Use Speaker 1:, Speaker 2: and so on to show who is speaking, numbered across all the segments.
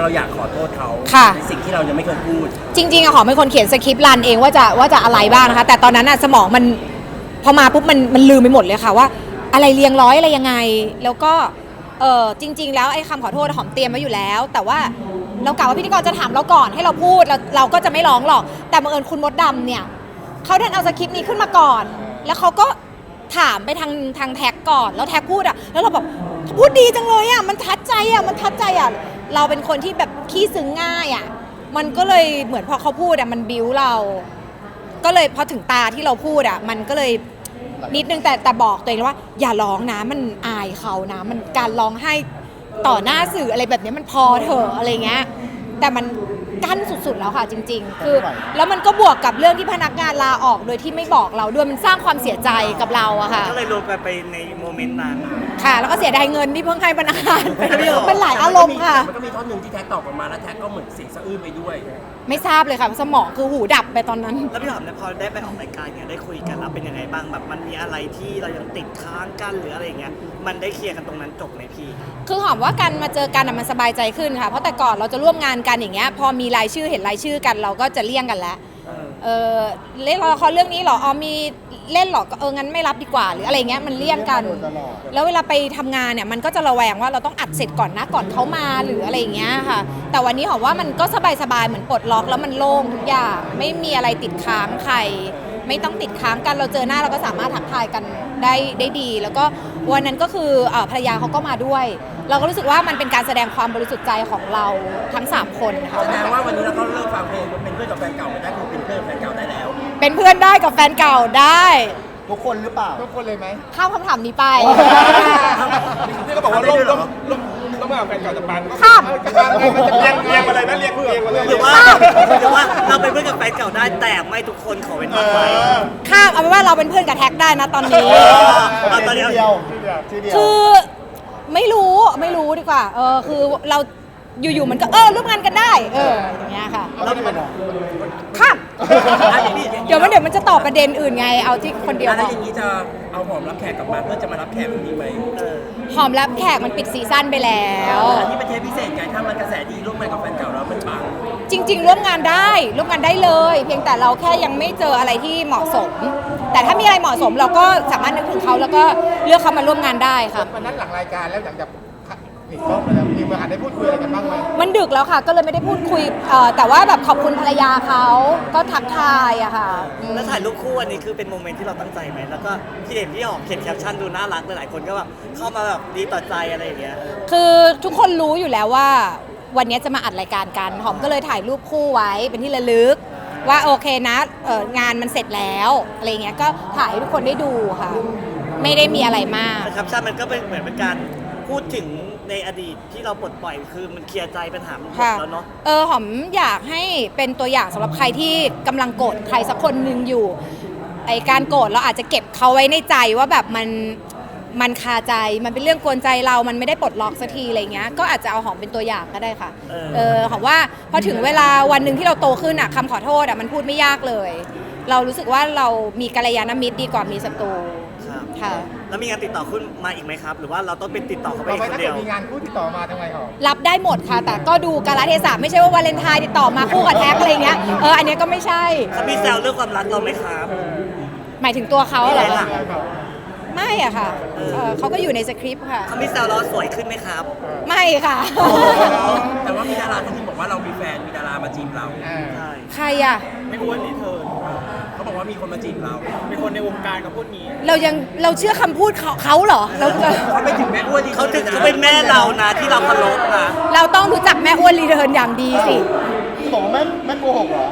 Speaker 1: เราอยากขอโทษเขาในสิ่งที่เรายังไม่เคยพูด
Speaker 2: จริงๆอะหอมเป็นคนเขียนสคริปต์รันเองว่าจะอะไรบ้างนะคะแต่ตอนนั้นอะสมองมันพอมาปุ๊บมันลืมไปหมดเลยค่ะว่าอะไรเรียงร้อยอะไรยังไงแล้วก็จริงๆแล้วไอ้คำขอโทษหอมเตรียมไว้อยู่แล้วแต่ว่าเรากะว่าพิธีกรจะถามเราก่อนให้เราพูดเราก็จะไม่ร้องหรอกแต่บังเอิญคุณมดดำเนี่ยเขาดันเอาสคริปต์นี้ขึ้นมาก่อนแล้วเขาก็ถามไปทางแท็กก่อนแล้วแท็กพูดอ่ะแล้วเราแบบพูดดีจังเลยอ่ะมันทัดใจอ่ะเราเป็นคนที่แบบขี้ซึ้งง่ายอ่ะมันก็เลยเหมือนพอเขาพูดอ่ะมันบิ้วเราก็เลยพอถึงตาที่เราพูดอ่ะมันก็เลยนิดนึงแต่บอกตัวเองว่าอย่าร้องนะมันอายเขานะมันการร้องไห้ต่อหน้าสื่ออะไรแบบนี้มันพอเถอะอะไรเงี้ยแต่มันกั้นสุดๆแล้วค่ะจริงๆคือแล้วมันก็บวกกับเรื่องที่พนักงานลาออกโดยที่ไม่บอกเราด้วยมันสร้างความเสียใจกับเราอะค่ะ
Speaker 3: ก็เลยลงไปในโมเมนต์นั้น
Speaker 2: ค่ะแล้วก็เสียดายเงินที่เพิ่งให้พนักงานไปมันหลายอารมณ์ค่ะ
Speaker 1: มันก็มีท่อนหนึ่งที่แท็กตอบออกมาแล้วแท็กก็เหมือนเสียงสะอื้นไปด้วย
Speaker 2: ไม่ทราบเลยค่ะสมองคือหูดับไปตอนนั้น
Speaker 3: แล้วพี่หอมเนี่ยพอได้ไปออกรายการเนี่ยได้คุยกันแล้วเป็นยังไงบ้างแบบมันมีอะไรที่เรายังติดค้างกันหรืออะไรเงี้ยมันได้เคลียร์กันตรงนั้นจบไหมพี่
Speaker 2: คือหอมว่าการมาเจอกันมันสบายใจขึ้นค่ะเพราะแต่ก่อนเราจะร่วมงานกันอย่างเงี้ยพอมีรายชื่อเห็นรายชื่อกันเราก็จะเลี่ยงกันแล้วเล่นละครเรื่องนี้หรอมีเล่นหรอก็งั้นไม่รับดีกว่าหรืออะไรเงี้ยมันเลี่ยงกันแล้วเวลาไปทำงานเนี่ยมันก็จะระแวงว่าเราต้องอัดเสร็จก่อนนะก่อนเขามาหรืออะไรเงี้ยค่ะแต่วันนี้หอมว่ามันก็สบายเหมือนปลดล็อกแล้วมันโล่งทุกอย่างไม่มีอะไรติดค้างใครไม่ต้องติดค้างกันเราเจอหน้าเราก็สามารถทักทายกันได้ดีแล้วก็วันนั้นก็คือภรรยาเขาก็มาด้วยเราก็รู้สึกว่ามันเป็นการแสดงความบริสุทธิ์ใจของเราทั้ง3คนค่ะ
Speaker 1: แสดงว่าวันนี้เราก็เลิกฟังเพลงเป็นเพื่อนกับแฟนเก่าไม่ได้คือเป็นเพื่อนแฟนเก่าได้แล้ว
Speaker 2: เป็นเพื่อนได้กับแฟนเก่าได้
Speaker 4: ทุกคนหรือเปล่าทุกคนเลยไหม
Speaker 2: ข้ามคำถามนี้ไป
Speaker 4: ที่เขาบอกว่าร่วมกับแฟนเก่าจะปัน
Speaker 2: ข้าม
Speaker 4: เรียงอะไรนะเรียงเพื่อน
Speaker 3: หรือว่าเราเป็นเพื่อนกับแฟนเก่าได้แต่ไม่ทุกคนขอเป็นไว้
Speaker 2: ข้ามเอาเป็นว่าเราเป็นเพื่อนกับแท็กได้นะตอนนี้
Speaker 3: ตอนเดียว
Speaker 2: คือไม่รู้ดีกว่าคือเราอยู่ๆมันก็ร่วมงานกันได้อย่างเงี้ยค่ะข้ามเดี๋ยวมันจะตอบประเด็นอื่นไงเอาที่คนเดียว
Speaker 1: แล้วอย่างนี้จะเอาหอมรับแขกกลับมาเพื่อจะมารับแขกนี้ไหม
Speaker 2: หอมรับแขกมันปิดซีซั่นไปแล้ว
Speaker 1: อันนี้เป็นเทปพิเศษไงถ้ามันกระแสดีร่วมงานกับแฟนเก่าแล้วมันปัง
Speaker 2: จริงๆร่วมงานได้เลยเพียงแต่เราแค่ยังไม่เจออะไรที่เหมาะสมแต่ถ้ามีอะไรเหมาะสมเราก็สามารถนึกถึงเขาแล้วก็เลือกเขามาร่วมงานได้ค่ะ
Speaker 4: วันนั้นหลังรายการแล้วหลังจากปิดกล้องไปแล้วมีเวลาได้พูดคุยอะไรกันบ้างไหม
Speaker 2: มันดึกแล้วค่ะก็เลยไม่ได้พูดคุยแต่ว่าแบบขอบคุณภรรยาเขาก็ทักทายอะค่ะ
Speaker 3: แล้วถ่ายรูปคู่อันนี้คือเป็นโมเมนต์ที่เราตั้งใจไหมแล้วก็พี่เห็นพี่หอมเขียนแคปชั่นดูน่ารักหลายคนก็แบบเข้ามาแบบดีต่อใจอะไรอย่างเงี้ย
Speaker 2: คือทุกคนรู้อยู่แล้วว่าวันนี้จะมาอัดรายการกันหอมก็เลยถ่ายรูปคู่ไว้เป็นที่ระลึกว่าโอเคนะงานมันเสร็จแล้วอะไรเงี้ยก็ถ่ายให้ทุกคนได้ดูค่ะไม่ได้มีอะไรมาก
Speaker 3: แคปชั่นมันก็เป็นเหมือนเป็นการพูดถึงในอดีตที่เราปลดปล่อยคือมันเคลียร์ใจปัญหาหมดแล้วเนาะ
Speaker 2: หอมอยากให้เป็นตัวอย่างสำหรับใครที่กำลังโกรธใครสักคนหนึ่งอยู่ไอการโกรธเราอาจจะเก็บเขาไว้ในใจว่าแบบมันคาใจมันเป็นเรื่องกวนใจเรามันไม่ได้ปลดล็อกสักทีอะไรเงี้ยก็อาจจะเอาหอมเป็นตัวอย่างก็ได้ค่ะหอมว่าพอถึงเวลาวันหนึ่งที่เราโตขึ้นคำขอโทษมันพูดไม่ยากเลยเรารู้สึกว่าเรามีกัลยาณมิตรดีกว่ามีศัตรูค่ะ
Speaker 3: แล้วมีงานติดต่อขึ้นมาอีกไหมครับหรือว่าเราต้องเป็นติดต่อเขาไปคนเดียว
Speaker 4: มีงานคู่ติดต่อมาทำไมหรอ
Speaker 2: รับได้หมดค่ะแต่ก็ดูกาลเทศะไม่ใช่ว่าวาเลนไทน์ติดต่อมาคู่กับแท็กอะไรเงี้ยอันนี้ก็ไม่ใช่
Speaker 3: เขามีแซวเรื่องความรักเราไหมครับ
Speaker 2: หมายถึงตัวเขาเหรอไม่อะค่ะเขาก็อยู่ในสคริปต์ค่ะ
Speaker 3: เขามีแซวเราสวยขึ้นไหมครับ
Speaker 2: ไม่ค่ะ
Speaker 1: แต่ว่ามีดาราที่บอกว่าเรามีแฟนมีดารามาจีบเรา
Speaker 2: ใครอะ
Speaker 1: ไม่อ้วนนี่เธอเขาบอกว่ามีคนมาจีบเรามีคนในวงการกับพูดนี้
Speaker 2: เราเชื่อคำพูดเขาเหรอ
Speaker 1: เขาไปถึงแม่อ้วน
Speaker 3: เขาเป็นแม่เรานะที่เราเคารพนะ
Speaker 2: เราต้องรู้จักแม่อ้วนรีเทิร์นอย่างดีสิ
Speaker 4: บอกว่าแม่โกหกเหรอ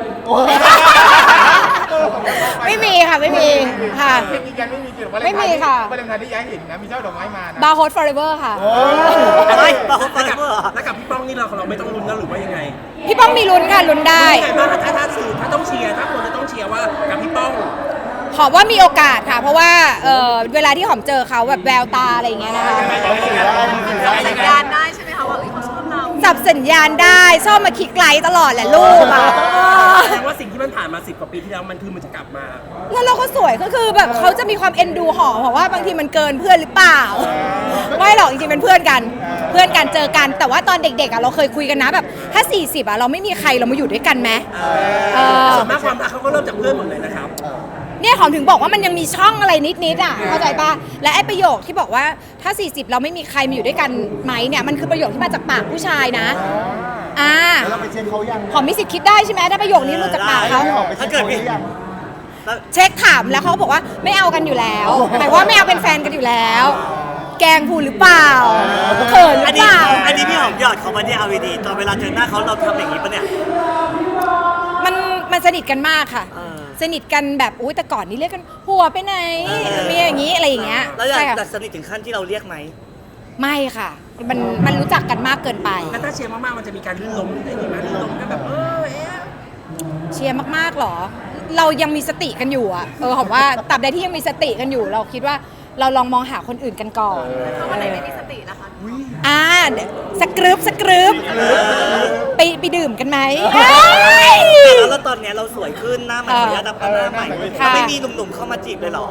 Speaker 2: ไม่มีค่ะไม่มีค่ะไม่มีค่ะ
Speaker 4: วาเลนไทน์ที่ย้ายเห็นนะมีเจ้าดอกไม้มา
Speaker 2: บาร์โฮสฟอร์เอเวอร์ค่ะ
Speaker 3: บาร์โฮสฟอร์เอเวอร์
Speaker 1: แล้วกับพี่ป้องนี่เราไม่ต้องลุ้นแล้วหรือว่ายังไง
Speaker 2: พี่ป้องมีลุ้นค่ะลุ้นได้
Speaker 1: ถ้าต้องเชียร์ถ้าคนจะต้องเชียร์ว่ากับพี่ป้อง
Speaker 2: หอมว่ามีโอกาสค่ะเพราะว่าเวลาที่หอมเจอเขาแบบแววตาอะไรอย่างเงี้ยนะคะ
Speaker 5: สัญญาณได้ใช่ไหมคะว่าเขาชอบเรา
Speaker 2: สับสัญญาณได้ชอบมาคลิกไลค์ตลอดแหละลูกอ่ะ
Speaker 1: แสดงว่าสิ่งที่มันผ่านมา10 กว่าปีที่แล้วมันคือมันจะกลับมา
Speaker 2: แล้วเราก็สวยก็คือแบบเขาจะมีความเอ็นดูหอมบอกว่าบางทีมันเกินเพื่อนหรือเปล่า ไม่หรอกจริงๆเป็นเพื่อนกันเพื่อนกันเจอกัน แต่ว่าตอนเด็กๆอ่ะเราเคยคุยกันนะแบบถ้า40อ่ะเราไม่มีใครเรามาอยู่ด้วยกันไหมอ
Speaker 1: ส่วนมากความรักเขาก็เริ่มจากเพื่อนหมดเลยนะครับ
Speaker 2: เนี่ยหอมถึงบอกว่ามันยังมีช่องอะไรนิดๆอ่ะเข้าใจป่ะและไอ้ประโยคที่บอกว่าถ้า40เราไม่มีใครมาอยู่ด้วยกันไหมเนี่ยมันคือประโยคที่มาจากปากผู้ชายนะ
Speaker 5: แล้วเราไปเช็คเขายัง
Speaker 2: หอมมีสิทธิ์คิดได้ใช่ไหมถ้าประโยคนี้หลุดจากปากเขา
Speaker 5: ไม่ออกไปเช็คเขาหรือยัง
Speaker 2: เช็คถามแล้วเขาบอกว่าไม่เอากันอยู่แล้วหมายว่าไม่เอาเป็นแฟนกันอยู่แล้ว แกล้งพูดหรือเปล่าเขินหรือเปล่า
Speaker 3: อันนี้พี่หอมหยอดเขามาเนี่ยเอาดีๆตอนเวลาเจอหน้าเขาเราทำอย่างนี้ปะเนี่ย
Speaker 2: มันสนิทกันมากค่ะ สนิทกันแบบอุ้ยแต่ก่อนนี้เรียกกันหัวไปไหนมีอย่างนี้อะไรอย่างเงี้ย
Speaker 3: แล้วอยาก
Speaker 2: ใช่ค่ะ
Speaker 3: สนิทถึงขั้นที่เราเรียกไหม
Speaker 2: ไม่ค่ะมันรู้จักกันมากเกินไป
Speaker 1: แล้วถ้าเชียร์มากๆมันจะมีการลื่นล้มอะไรอย่างงี้ไหมลื่นล้มกันแบบ
Speaker 2: เชียร์มากๆหรอ เรายังมีสติกันอยู่อะหอมว่าตราบใดที่ยังมีสติกันอยู่ เราคิดว่าเราลองมองหาคนอื่นกันก่อนวันไหนไม่มีสตินะคะสกรึบไปดื่มกันไหม
Speaker 3: แล้วตอนเนี้ยเราสวยขึ้นหน้าใหม่ขออนุญาตนับหน้าใหม่
Speaker 2: ค่ะ
Speaker 3: ไม่มีหนุ่มๆเข้ามาจีบเลยเหรอ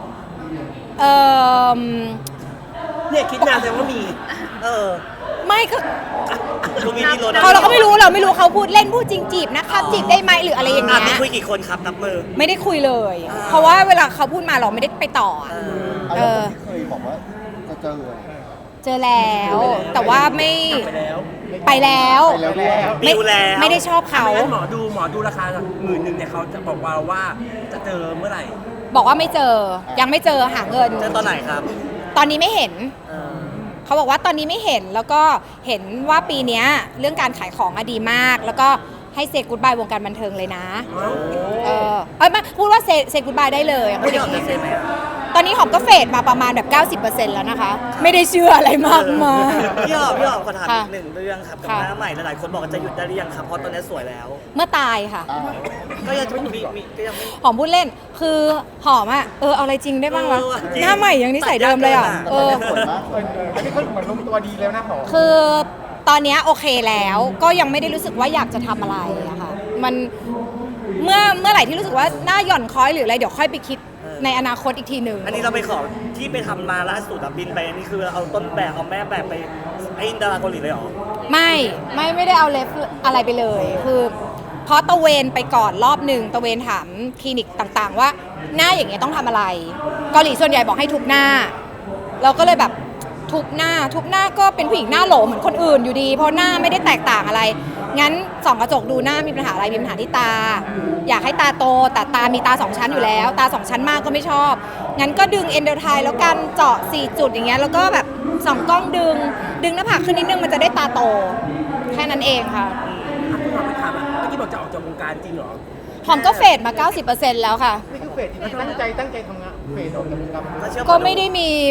Speaker 1: เนี่ยคิดนานแต่ว่ามี
Speaker 2: ไม่ก็
Speaker 3: ดูมีที่รถ
Speaker 2: เราก็ไม่รู้เขาพูดเล่นพูดจริงจีบนะคะจีบได้ไหมหรืออะไรอย่างเงี้
Speaker 3: มี
Speaker 2: ย
Speaker 3: คุยกี่คนครับนับมือ
Speaker 2: ไม่ได้คุยเลย เพราะว่าเวลาเขาพูดมาเราไม่ได้ไปต่ออะ
Speaker 5: แล้วคนที่เคยบอกว่าจะเจอ
Speaker 2: เจอแล้ว แต่ว่าไม่
Speaker 1: ไปแล้ว
Speaker 2: ไปแล้ว
Speaker 5: ไปแล้วด้วย
Speaker 2: ไม่
Speaker 3: ดิวแล้ว
Speaker 2: ไม่ได้ชอบเขา
Speaker 1: ไม่งั้นหมอดูราคา10,000เนี่ยเขาจะบอกว่าจะเจอเมื่อไหร่
Speaker 2: บอกว่าไม่เจอยังไม่เจอหาเงิน
Speaker 3: เจอตอนไหนครับ
Speaker 2: ตอนนี้ไม่เห็น เขาบอกว่าตอนนี้ไม่เห็นแล้วก็เห็นว่าปีเนี้ยเรื่องการขายของอะดีมาก แล้วก็ให้เซกูดบายวงการบันเทิงเลยนะไม่พูดว่าเซกูดบายได้เลยพูดอย่างนี้
Speaker 3: ไม่ได้ออกจากเซฟไหมอะ
Speaker 2: ตอนนี้หอมก็เฟดมาประมาณแบบ 90% แล้วนะคะ ไม่ได้เชื่ออะไรมากมาย
Speaker 3: พี่หอมขอถาม
Speaker 2: ค่ะ
Speaker 3: อีกหนึ่งเรื่องครับกับ
Speaker 2: ค่ะ
Speaker 3: หน้าใหม่หลายๆคนบอกว่าจะหยุดได้หรือยังครับเพราะตอนนี้สวยแล้ว
Speaker 2: เมื่อตายค่ะ
Speaker 3: ก็ยังมีก็ยังไม่
Speaker 2: หอมพูดเล่นคือหอมอะเอาอะไรจริงได้บ้างวะ
Speaker 3: จริง
Speaker 2: หน้าใหม่ยังนิสัยเดิมเลยอะ
Speaker 3: เออ
Speaker 5: สวยมากอันนี้ก็เหมือนลงตัวดีแล้วนะหอม
Speaker 2: คือตอนเนี้ยโอเคแล้วก็ยังไม่ได้รู้สึกว่าอยากจะทำอะไรอะค่ะมันเมื่อไหร่ที่รู้สึกว่าหน้าหย่อนคล้อยหรืออะไรเดี๋ยวค่อยไปคิดในอนาคตอีกทีหนึ่ง
Speaker 3: อันนี้เราไปขอที่ไปทำมาล่าสุดอะบินไปอันนี้คือเอาต้นแบบเอาแม่แบบไปไอ้ดาราเกาหลีเลยเหรอ
Speaker 2: ไม่ได้เอาเลฟอะไรไปเลยคือเพราะตะเวนไปก่อนรอบหนึ่งตะเวนถามคลินิกต่างๆ ว่าหน้าอย่างเงี้ยต้องทำอะไรเกาหลีส่วนใหญ่บอกให้ทุบหน้า เราก็เลยแบบทุบหน้าก็เป็นผู้หญิงหน้าโหลเหมือนคนอื่นอยู่ดีเพราะหน้าไม่ได้แตกต่างอะไรงั้นส่องกระจกดูหน้ามีปัญหาอะไรมีปัญหาที่ตา อยากให้ตาโตแต่ตามีตา2ชั้นอยู่แล้วตา2ชั้นมากก็ไม่ชอบงั้นก็ดึงเอนโดไทแล้วกันเจาะ4จุดอย่างเงี้ยแล้วก็แบบส่องกล้องดึงหน้าผากขึ้นนิดนึงมันจะได้ตาโตแค่นั้นเองค่ะ
Speaker 1: คุณหมอไปถามเมื่อกี้บอกจะออกจากวงการจริงเหรอ
Speaker 2: หอมก็เฟดมา 90% แล้วค่ะ
Speaker 5: นี่คือเฟสที่ตั้งใจทำงานเฟสออกจากวงการ
Speaker 3: ถ้าเชื่อ
Speaker 2: ก็ไม่ได้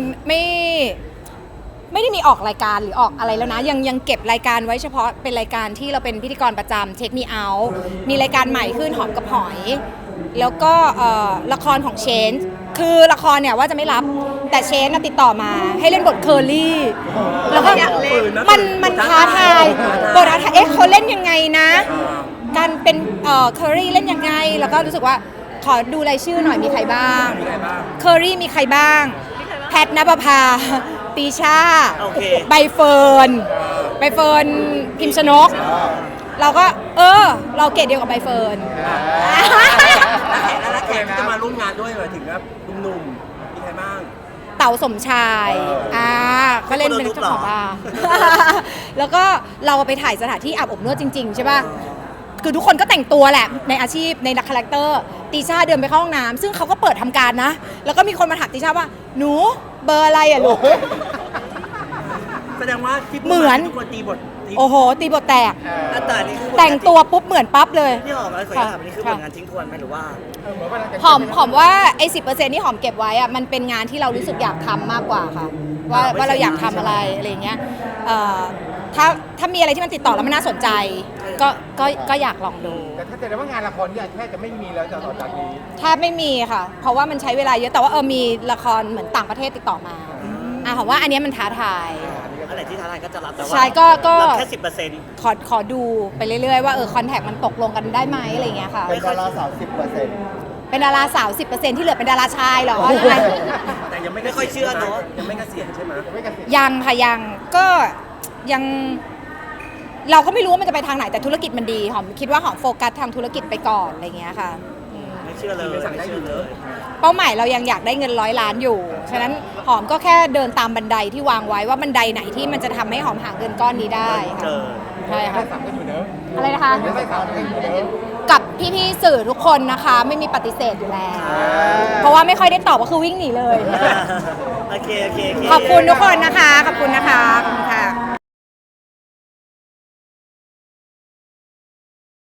Speaker 2: มีออกรายการหรือออกอะไรแล้วนะยังเก็บรายการไว้เฉพาะเป็นรายการที่เราเป็นพิธีกรประจำเช็คมีเอามีรายการใหม่ขึ้นหอมกับหอย แล้วก็ละครของเชนคือละครเนี่ยว่าจะไม่รับแต่เชนติดต่อมาให้เล่นบทเคอรี่แล้วก็มันท้าทายบทท้าทายเขาเล่นยังไงนะการเป็นเคอรี่เล่นยังไงแล้วก็รู้สึกว่าขอดูรายชื่อหน่อยมีใครบ้างเคอรี่มีใครบ้างแพทณปภาตีชา
Speaker 3: โอเค
Speaker 2: ใบเฟิร์นพิมพ์ชนก เราก็เราเกรดเดียวกับใบเฟิร์น
Speaker 1: แล้วแขกที่จะมาร่วมงานด้วยหมายถึงว่าหนุ่มๆมีใครบ้าง
Speaker 2: เต๋าสมชายก็เล่นเป็นเจ้าของบาร์ แล้วก็เราไปถ่ายสถานที่อาบอบนวดจริงๆใช่ป่ะคือทุกคนก็แต่งตัวแหละในอาชีพในคาแรคเตอร์ตีชาเดินไปเข้าห้องน้ำซึ่งเขาก็เปิดทำการนะแล้วก็มีคนมาถามตีชาว่าหนูเบอร์อะไรอ่ะลูก
Speaker 1: แสดงว่าที่
Speaker 2: เหมือน
Speaker 1: ทุกคนตีบท
Speaker 2: โอ้โหตีบทแตก
Speaker 3: แต่นี่คือ
Speaker 2: แต่งตัวปุ๊บเหมือนปั๊บเลย
Speaker 3: พี่หอมอะไรขออนุญาตถามอันนี้คือผลงานทิ้งทวนไหมหรือว่า
Speaker 2: หอมว่าไอ้10%ที่หอมเก็บไว้อะมันเป็นงานที่เรารู้สึกอยากทำมากกว่าค่ะว่าเราอยากทำอะไรอะไรอย่างเงี้ยถ้ามีอะไรที่มันติดต่อแล้วมันน่าสนใจก็อยากลองดู
Speaker 5: แต่ถ้าแสดงว่างานละครนี่แทบจะไม่มีแล้วต่อจากนี้
Speaker 2: แทบไม่มีค่ะ เพราะว่ามันใช้เวลาเยอะแต่ว่ามีละครเหมือนต่างประเทศติดต่อมาหอมว่าอันเนี้ยมันท้าทาย
Speaker 3: อันไหนที่ท้าทายก็จะรับแต่ว่า
Speaker 2: ใช่ก็
Speaker 3: รับแค่ 10%
Speaker 2: ขอดูไปเรื่อยๆว่าคอนแทคมันตกลงกันได้ไหมอะไรอย่างเงี้ยค่ะ
Speaker 5: เป็นดาราสาว10%
Speaker 2: เป็นดาราสาว 10%ที่เหลือเป็นดาราชายเหรอยังไง
Speaker 1: แต่ยังไม่
Speaker 3: ไม่ค่อยเชื่อเนอะ
Speaker 1: ยังไม่เกษียณใช่ไหม
Speaker 5: ไม่เกษียณ
Speaker 2: ยังค่ะยังก็ยังเราก็ไม่รู้ว่ามันจะไปทางไหนแต่ธุรกิจมันดีหอมคิดว่าหอมโฟกัสทางธุรกิจไปก่อนอะไรอย่างเงี้ยค่ะอืม
Speaker 3: ไม่เชื่อเลยไม่เชื่อเลย
Speaker 2: เป้าหมายเรายังอยากได้เงิน100 ล้านอยู่ ฉะนั้นหอมก็แค่เดินตามบันไดที่วางไว้ว่าบันไดไหนที่มันจะทำให้หอมหาเงินก้อนนี้ได้
Speaker 3: เจ
Speaker 2: ค่ะ
Speaker 3: อ
Speaker 2: ใช่
Speaker 5: ได้
Speaker 2: ค่ะ
Speaker 5: สามกันอยู่เนอะ
Speaker 2: อะไรนะคะ
Speaker 5: ได้สามกันอยู่เนอะ
Speaker 2: กับพี่ๆสื่อทุกคนนะคะ ไม่มีปฏิเสธอยู่แล้ว เพราะว่าไม่ค่อยได้ตอบก็คือวิ่งหนีเลย
Speaker 3: โอเค
Speaker 2: ขอบคุณทุกคนนะคะ ขอบคุณนะคะขอบคุณค่ะ